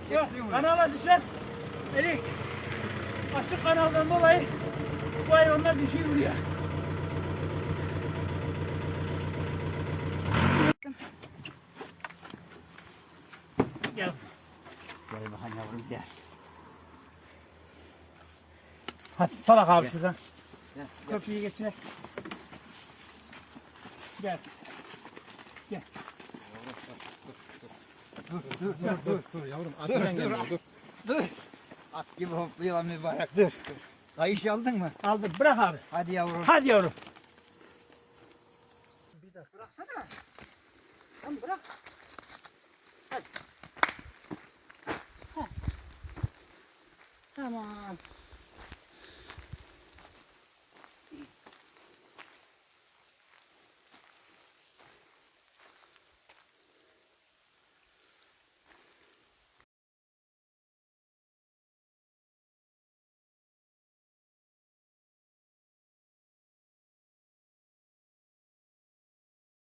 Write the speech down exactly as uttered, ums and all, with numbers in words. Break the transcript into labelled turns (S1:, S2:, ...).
S1: Yok, kanala düşer. Elik. Açık kanaldan dolayı bu hayvanlar düşüyor buraya. Gel.
S2: Gel bakalım yavrum gel.
S1: Hadi salak abi
S2: Gel.
S1: şuradan.
S2: Gel.
S1: Köprüyü geçir. Gel. Gel.
S2: Dur dur dur dur.
S3: Dur yavrum
S2: Dur
S3: atından
S2: dur.
S3: gel dur.
S2: Dur. At gibi hopluyor mübarek dur. Kayış aldın mı?
S1: Aldım. Bırak abi.
S2: Hadi yavrum.
S1: Hadi yavrum.
S2: Bir dakika bıraksana. Tamam bırak. Hadi. Heh. Tamam.